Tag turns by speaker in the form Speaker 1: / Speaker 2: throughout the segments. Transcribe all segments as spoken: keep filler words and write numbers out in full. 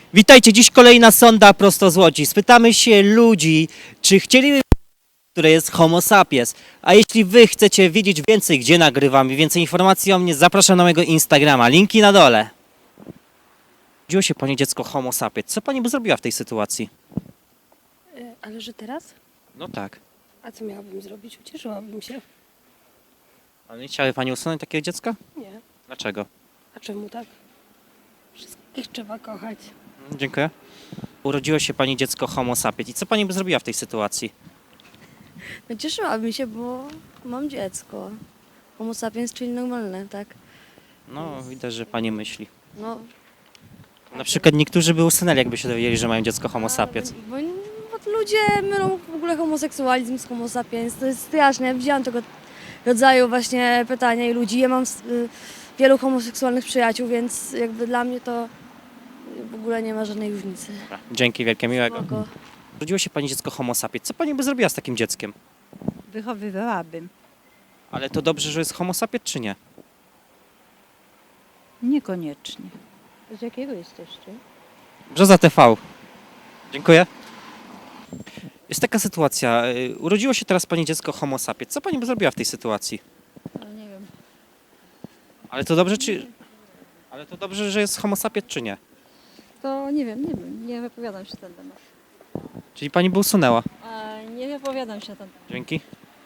Speaker 1: Witajcie, dziś kolejna sonda prosto z Łodzi. Spytamy się ludzi, czy chcieliby, które jest Homo sapiens. A jeśli wy chcecie wiedzieć więcej, gdzie nagrywam i więcej informacji o mnie, zapraszam na mojego Instagrama. Linki na dole. Urodziło się pani dziecko Homo sapiens. Co pani by zrobiła w tej sytuacji?
Speaker 2: E, Ale że teraz?
Speaker 1: No tak.
Speaker 2: A co miałabym zrobić? Ucieszyłabym się.
Speaker 1: Ale nie chciałaby pani usunąć takiego dziecka?
Speaker 2: Nie.
Speaker 1: Dlaczego?
Speaker 2: A czemu tak? Wszystkich trzeba kochać.
Speaker 1: Dziękuję. Urodziło się pani dziecko Homo sapiens. I co pani by zrobiła w tej sytuacji?
Speaker 3: No cieszyłabym się, bo mam dziecko. Homo sapiens, czyli normalne, tak?
Speaker 1: No, widać, że pani myśli.
Speaker 3: No,
Speaker 1: Na przykład niektórzy by usunęli, jakby się dowiedzieli, że mają dziecko Homo sapiens.
Speaker 3: Bo, bo ludzie mylą w ogóle homoseksualizm z homo sapiens. To jest straszne. Ja widziałam tego rodzaju właśnie pytania i ludzi. Ja mam y, wielu homoseksualnych przyjaciół, więc jakby dla mnie to w ogóle nie ma żadnej różnicy.
Speaker 1: Dobra, dzięki wielkie, miłego.
Speaker 3: Spoko.
Speaker 1: Urodziło się pani dziecko Homo sapiens. Co pani by zrobiła z takim dzieckiem?
Speaker 4: Wychowywałabym.
Speaker 1: Ale to dobrze, że jest Homo sapiens, czy nie?
Speaker 4: Niekoniecznie.
Speaker 2: Z jakiego jesteście?
Speaker 1: Brzoza T V. Dziękuję. Jest taka sytuacja. y, Urodziło się teraz pani dziecko Homo sapiens. Co pani by zrobiła w tej sytuacji?
Speaker 4: No nie wiem.
Speaker 1: Ale to dobrze, czy... Ale to dobrze, że jest Homo sapiens, czy nie?
Speaker 4: To nie wiem, nie wiem. Nie wypowiadam się na ten temat.
Speaker 1: Czyli pani by usunęła.
Speaker 4: A nie wypowiadam się na ten temat.
Speaker 1: Dzięki.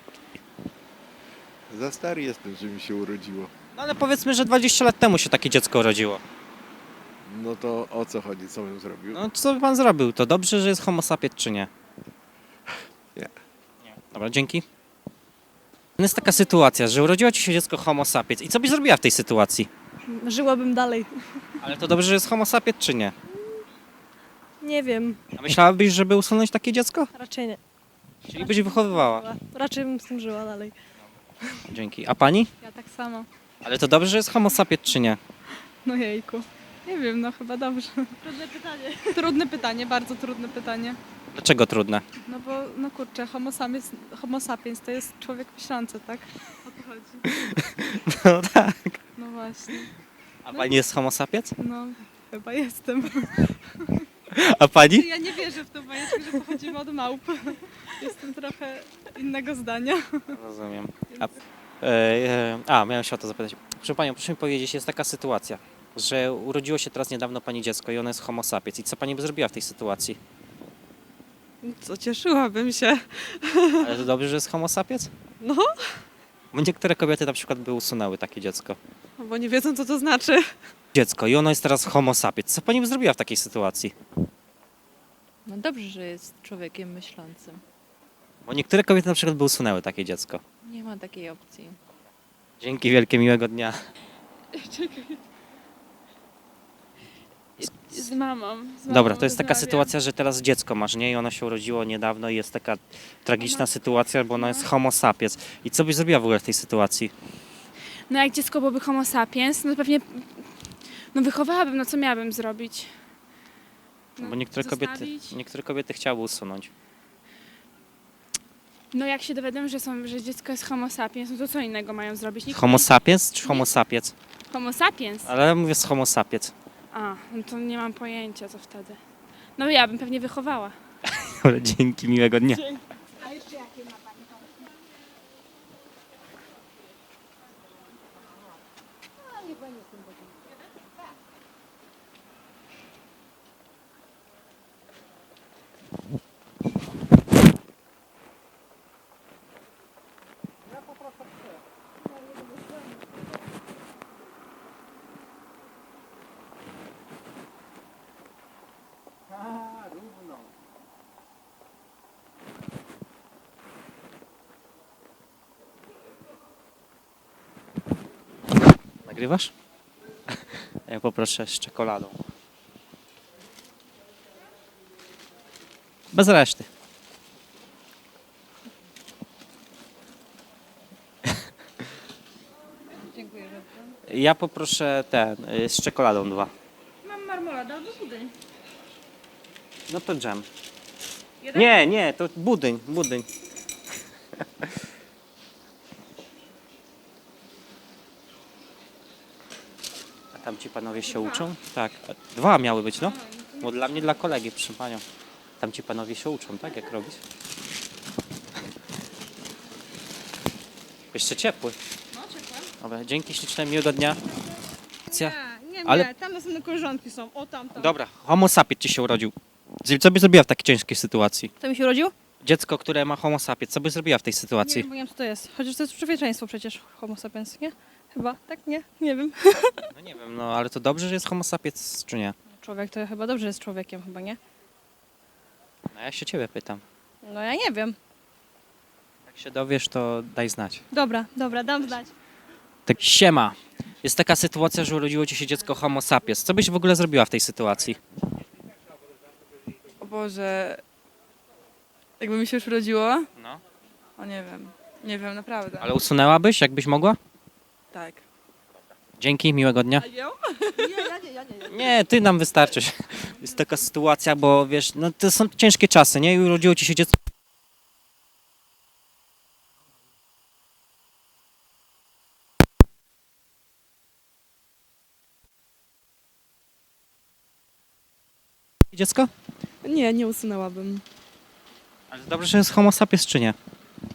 Speaker 5: Za stary jestem, żeby mi się urodziło.
Speaker 1: No ale powiedzmy, że dwadzieścia lat temu się takie dziecko urodziło.
Speaker 5: No to o co chodzi? Co bym zrobił?
Speaker 1: No co by pan zrobił? To dobrze, że jest Homo sapiens, czy nie?
Speaker 5: Nie.
Speaker 1: Nie. Dobra, dzięki. Jest taka sytuacja, że urodziło ci się dziecko Homo sapiens. I co byś zrobiła w tej sytuacji?
Speaker 2: Żyłabym dalej.
Speaker 1: Ale to dobrze, że jest Homo sapiens, czy nie?
Speaker 2: Nie wiem.
Speaker 1: A myślałabyś, żeby usunąć takie dziecko?
Speaker 2: Raczej nie.
Speaker 1: Czyli byś wychowywała.
Speaker 2: Raczej bym z tym żyła dalej.
Speaker 1: Dzięki. A pani?
Speaker 6: Ja tak samo.
Speaker 1: Ale to dobrze, że jest Homo sapiens, czy nie?
Speaker 6: No jejku. Nie wiem, no chyba dobrze. Trudne pytanie. Trudne pytanie, bardzo trudne pytanie.
Speaker 1: Dlaczego trudne?
Speaker 6: No bo, no kurczę, homo sapiens, homo sapiens to jest człowiek myślący, tak? O to chodzi.
Speaker 1: No tak.
Speaker 6: No właśnie.
Speaker 1: A pani jest Homo sapiens?
Speaker 6: No, chyba jestem.
Speaker 1: A pani?
Speaker 6: Ja nie wierzę w tą bajeczkę, że pochodzimy od małp. Jestem trochę innego zdania.
Speaker 1: Rozumiem. A, e, e, a, miałem się o to zapytać. Proszę panią, proszę mi powiedzieć, jest taka sytuacja, że urodziło się teraz niedawno pani dziecko i ono jest Homo sapiens. I co pani by zrobiła w tej sytuacji?
Speaker 6: Co, cieszyłabym się.
Speaker 1: Ale to dobrze, że jest Homo sapiens?
Speaker 6: No,
Speaker 1: Bo niektóre kobiety na przykład by usunęły takie dziecko.
Speaker 6: bo nie wiedzą, co to znaczy.
Speaker 1: Dziecko i ono jest teraz Homo sapiens. Co pani by zrobiła w takiej sytuacji?
Speaker 7: No dobrze, że jest człowiekiem myślącym.
Speaker 1: Bo niektóre kobiety na przykład by usunęły takie dziecko.
Speaker 7: Nie ma takiej opcji.
Speaker 1: Dzięki wielkie, miłego dnia.
Speaker 6: Z mamą. Z mamą
Speaker 1: Dobra, to jest taka
Speaker 6: rozmawiam.
Speaker 1: sytuacja, że teraz dziecko masz, nie? I ono się urodziło niedawno i jest taka tragiczna sytuacja, bo ono jest Homo sapiens. I co byś zrobiła w ogóle w tej sytuacji?
Speaker 8: No jak dziecko byłoby homo sapiens, no to pewnie no wychowałabym, no co miałabym zrobić?
Speaker 1: No, bo niektóre kobiety,
Speaker 8: zostawić?
Speaker 1: niektóre kobiety chciały usunąć.
Speaker 8: No jak się dowiedzą, że, są, że dziecko jest homo sapiens, no to co innego mają zrobić? Nikt
Speaker 1: Homo
Speaker 8: nie-
Speaker 1: sapiens czy homo sapiens?
Speaker 8: Homo sapiens?
Speaker 1: Ale mówię z homo sapiens.
Speaker 8: A, no to nie mam pojęcia, co wtedy. No ja bym pewnie wychowała.
Speaker 1: Dobra, dzięki, miłego dnia. Nagrywasz? Ja poproszę z czekoladą. Bez reszty.
Speaker 4: Dziękuję bardzo.
Speaker 1: Ja poproszę ten, y, z czekoladą dwa.
Speaker 8: Mam marmoladę albo budyń.
Speaker 1: No to dżem. Nie, nie, to budyń, budyń. Tam ci panowie się uczą? Tak. Dwa miały być, no? Bo dla mnie, dla kolegi, proszę panią. Tam ci panowie się uczą, tak? Jak robić? Jeszcze ciepły.
Speaker 6: No, ciepłe.
Speaker 1: Dobra, dzięki śliczne, miłego dnia.
Speaker 6: Nie, nie,
Speaker 1: Ale-
Speaker 6: nie, tam następne koleżanki są, o tam, tam.
Speaker 1: Dobra, homo sapiens ci się urodził. Co by zrobiła w takiej ciężkiej sytuacji?
Speaker 6: Kto mi się urodził?
Speaker 1: Dziecko, które ma homo sapiens, co by zrobiła w tej
Speaker 6: Nie
Speaker 1: sytuacji?
Speaker 6: wiem, bo nie wiem co to jest. Chociaż to jest człowieczeństwo przecież, homo sapiens, nie? Chyba, tak? Nie? Nie wiem.
Speaker 1: No nie wiem, no ale to dobrze, że jest homo sapiens, czy nie?
Speaker 6: Człowiek to chyba dobrze jest człowiekiem, chyba nie?
Speaker 1: No ja się ciebie pytam.
Speaker 6: No ja nie wiem.
Speaker 1: Jak się dowiesz, to daj znać.
Speaker 6: Dobra, dobra, dam znać.
Speaker 1: Tak, siema. Jest taka sytuacja, że urodziło ci się dziecko homo sapiens. Co byś w ogóle zrobiła w tej sytuacji?
Speaker 7: O Boże, jakby mi się już urodziło?
Speaker 1: No.
Speaker 7: O nie wiem, nie wiem, naprawdę.
Speaker 1: Ale usunęłabyś, jakbyś mogła?
Speaker 7: Tak.
Speaker 1: Dzięki, miłego dnia.
Speaker 7: A ją?
Speaker 1: Nie, ty nam wystarczysz. Jest taka sytuacja, bo wiesz, no to są ciężkie czasy, nie? I urodziło ci się dziecko. Dziecko?
Speaker 9: Nie, nie usunęłabym.
Speaker 1: Ale dobrze, że jest homo sapiens, czy nie?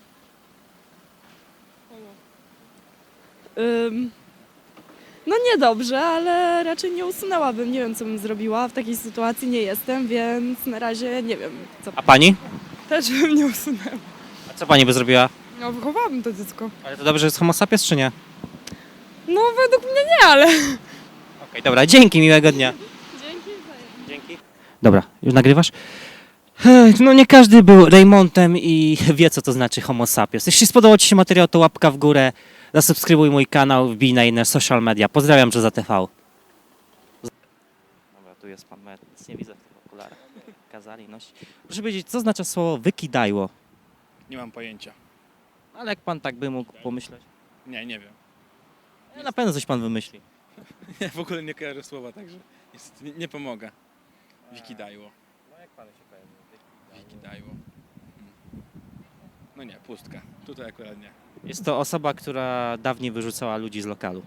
Speaker 9: Ym, no niedobrze, ale raczej nie usunęłabym. Nie wiem, co bym zrobiła. W takiej sytuacji nie jestem, więc na razie nie wiem, co.
Speaker 1: A pani?
Speaker 9: Też bym nie usunęła.
Speaker 1: A co pani by zrobiła?
Speaker 9: No, wychowałabym to dziecko.
Speaker 1: Ale to dobrze, że jest homo sapiens, czy nie?
Speaker 9: No, według mnie nie, ale...
Speaker 1: Okej, dobra, dzięki, miłego dnia. Dzięki. Dzięki. Dobra, już nagrywasz? Ech, no nie każdy był Raymontem i wie, co to znaczy homo sapiens. Jeśli spodobał ci się materiał, to łapka w górę, zasubskrybuj mój kanał, wbij na inne social media. Pozdrawiam, że za T V. Dobra, tu jest pan, ja nic nie widzę w tych okularach. Kazali nosić. Proszę powiedzieć, co znaczy słowo wykidajło?
Speaker 10: Nie mam pojęcia.
Speaker 1: Ale jak pan tak by mógł pomyśleć?
Speaker 10: Nie, nie wiem.
Speaker 1: No, na pewno coś pan wymyśli.
Speaker 10: Ja w ogóle nie kojarzę słowa, także niestety nie, nie pomogę. Wikidajło.
Speaker 1: No jak panu się kojarzy?
Speaker 10: Wikidajło. Hmm. No nie, pustka. Tutaj akurat nie.
Speaker 1: Jest to osoba, która dawniej wyrzucała ludzi z lokalu.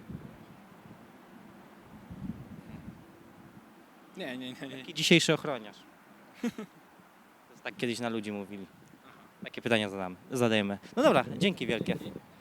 Speaker 10: Nie, nie, nie, nie.
Speaker 1: Jaki dzisiejszy ochroniarz? To jest tak kiedyś na ludzi mówili. Takie pytania zadamy, zadajemy. No dobra, dzięki wielkie.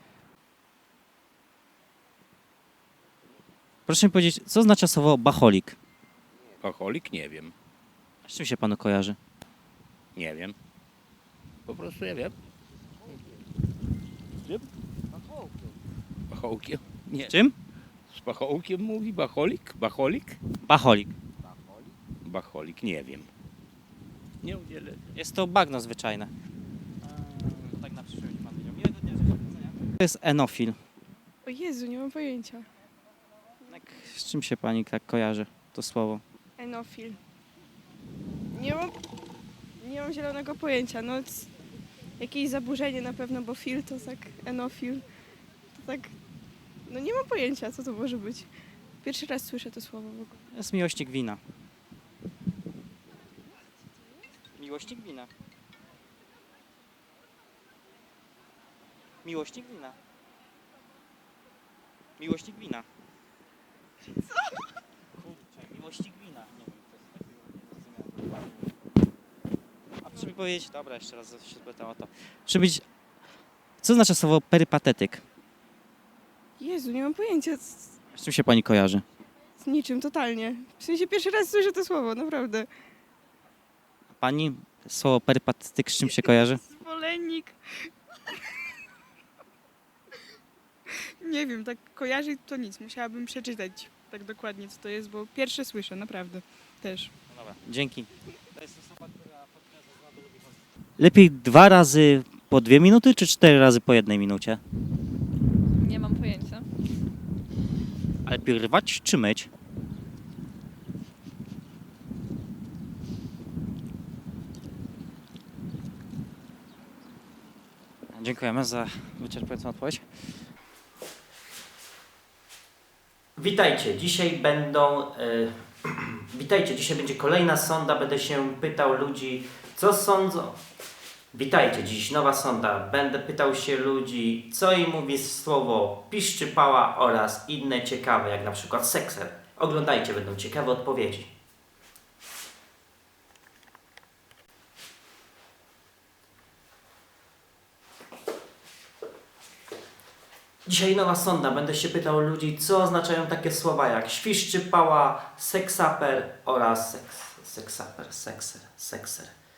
Speaker 1: Proszę mi powiedzieć, co znaczy słowo bacholik?
Speaker 11: Alkoholik? Nie wiem.
Speaker 1: Z czym się panu kojarzy?
Speaker 11: Nie wiem. Po prostu ja wiem. Wiem? Bachołkiem? Nie.
Speaker 1: Z czym?
Speaker 11: Z bachołkiem mówi bacholik? Bacholik?
Speaker 1: Bacholik.
Speaker 11: Bacholik, nie wiem. Nie udzielę.
Speaker 1: Jest to bagno zwyczajne. Tak na przyszłość pan wiedział. Miłego dnia, życzę powodzenia. To jest enofil.
Speaker 9: O Jezu, nie mam pojęcia.
Speaker 1: Jak, z czym się pani tak kojarzy to słowo?
Speaker 9: Enofil. Nie mam... Nie mam zielonego pojęcia. No, c- jakieś zaburzenie na pewno, bo fil to tak... Enofil. To tak... No nie mam pojęcia, co to może być. Pierwszy raz słyszę to słowo w ogóle.
Speaker 1: To jest miłośnik wina. Miłośnik wina. Miłośnik wina. Miłośnik wina. Co? Kurczę, miłośnik wina. Nie wiem, co jest takiego, nie zrozumiałem. A proszę mi powiedzieć, dobra, jeszcze raz się spytam o to. Proszę powiedzieć, co znaczy słowo perypatetyk?
Speaker 9: Jezu, nie mam pojęcia. Z,
Speaker 1: Z czym się pani kojarzy?
Speaker 9: z niczym, totalnie. W sensie pierwszy raz słyszę to słowo, naprawdę.
Speaker 1: Pani słowo perypatetyk z czym się kojarzy?
Speaker 9: Zwolennik. Nie wiem, tak kojarzy to nic. Musiałabym przeczytać tak dokładnie, co to jest, bo pierwsze słyszę, naprawdę. Też.
Speaker 1: No dobra, dzięki. To jest osoba, która lepiej dwa razy po dwie minuty, czy cztery razy po jednej minucie?
Speaker 7: Nie mam pojęcia.
Speaker 1: Ale lepiej rwać czy myć? Dziękujemy za wyczerpującą odpowiedź. Witajcie, dzisiaj będą... y, Witajcie, dzisiaj będzie kolejna sonda. Będę się pytał ludzi, co sądzą. Witajcie, dziś nowa sonda. Będę pytał się ludzi, co im mówi słowo piszczypała oraz inne ciekawe, jak na przykład sekser. Oglądajcie, będą ciekawe odpowiedzi. Dzisiaj nowa sonda. Będę się pytał ludzi, co oznaczają takie słowa jak świszczypała, seksaper oraz seks, seksaper, sekser, sekser.